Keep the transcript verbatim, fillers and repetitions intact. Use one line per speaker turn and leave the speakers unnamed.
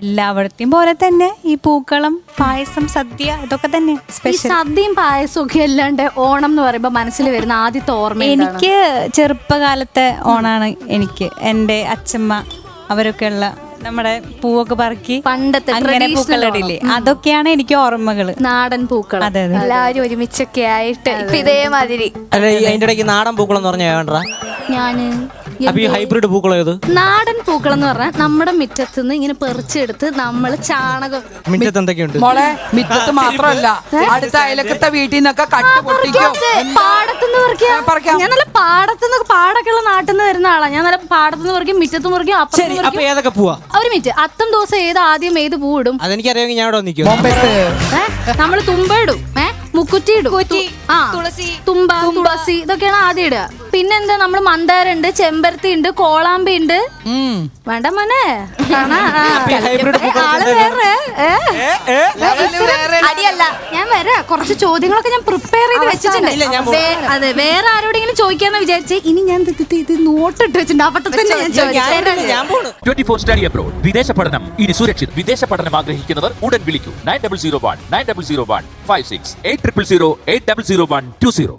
എല്ലായിടത്തെയും പോലെ തന്നെ ഈ പൂക്കളം, പായസം, സദ്യ ഇതൊക്കെ തന്നെ
ഈ
സ്പെഷ്യൽ.
സദ്യയും പായസവും ഒക്കെ അല്ലാണ്ട് ഓണം എന്ന് പറയുമ്പോ മനസ്സിൽ വരുന്ന ആദ്യത്തെ ഓർമ്മ
എനിക്ക് ചെറുപ്പകാലത്തെ ഓണാണ്. എനിക്ക് എൻ്റെ അച്ഛമ്മ അവരൊക്കെ ഉള്ള നമ്മുടെ പൂവൊക്കെ പറക്കി
പണ്ടത്തെ
അങ്ങനെ പൂക്കളിടില്ലേ, അതൊക്കെയാണ് എനിക്ക് ഓർമ്മകള്.
നാടൻ പൂക്കൾ
അതെ അതെ.
എല്ലാവരും ഒരുമിച്ചൊക്കെ ആയിട്ട് ഇപ്പൊ ഇതേമാതിരി.
അല്ല ഈ അതിന്റെ ഇടയ്ക്ക് നാടൻ പൂക്കളം എന്ന് പറഞ്ഞാൽ വേണ്ട.
ഞാന്
അപ്പൊ ഈ ഹൈബ്രിഡ് പൂക്കളം ഏത്?
നാടൻ പൂക്കളം എന്ന് പറഞ്ഞാൽ നമ്മുടെ മുറ്റത്ത് നിന്ന് ഇങ്ങനെ പെറിച്ചെടുത്ത് നമ്മള് ചാണകം
മിറ്റത്ത് എന്തൊക്കെയുണ്ട്?
മോളെ മിറ്റത്ത് മാത്രമല്ല അടുത്ത അയലക്കത്തെ വീട്ടിൽ നിന്നൊക്കെ കട്ട് പൊട്ടിക്കും.
പാടത്തുനിന്ന് പറിക്കാം.
പറിക്കാം.
ഞാൻ നല്ല പാടത്തുനിന്ന് പാടൊക്കെ ഉള്ള നാട്ടിൽ നിന്ന് വരുന്ന ആളാ. ഞാൻ നല്ല പാടത്തുനിന്ന് പറിക്കും, മുറ്റത്ത് മുറിക്കും,
ശരി,
അപ്പുറത്ത്
അപ്പൊ ഏതൊക്കെ പൂവാ?
ഒരു മിനിറ്റ്, അത്തം ദിവസം ഏത് ആദ്യം ഏത് പൂ ഇടും?
അതെനിക്കറിയാമെങ്കിൽ ഞാൻ ഇവിടെ നിൽക്കും.
ബോംബെത്ത്
ഏഹ് നമ്മള് തുമ്പ ഇടും, ഏഹ് മുക്കുറ്റി ഇടും, ആ
തുളസി,
തുമ്പ, തുളസി ഇതൊക്കെയാണ് ആദ്യം ഇടുക. പിന്നെന്താ നമ്മള് മന്ദാരുണ്ട്, ചെമ്പരത്തി ഉണ്ട്, കോളാമ്പി ഉണ്ട്. വേണ്ട മോനെ കാണാ. ആ.
ഹൈബ്രിഡ് പൂക്കളം
ആള് വേറെ
അടിയല്ല.
ഞാൻ വരാ, കുറച്ച് ചോദ്യങ്ങളൊക്കെ ഞാൻ പ്രിപ്പയർ ചെയ്ത് വെച്ചിട്ടുണ്ട്.
ഇല്ല, ഞാൻ
വേ- അതെ, വേറെ ആരോടെങ്കിലും ചോദിക്കാന്ന് വിചാരിച്ചേ. ഇനി ഞാൻ ഇത് ഇത് ഇത് നോട്ടിട്ട് വെച്ചിട്ടുണ്ട്. അപ്പൊ തന്നെ ഞാൻ ചോദിച്ചു.
ഞാൻ പോണു.
ട്വന്റി ഫോർ സ്റ്റഡി അബ്രോഡ് വിദേശ പഠനം ഇനി സുരക്ഷിത്. വിദേശ പഠനം ആഗ്രഹിക്കുന്നവർ ഉടൻ വിളിക്കൂ nine double zero one nine double zero one five six eight triple zero eight double zero one two zero.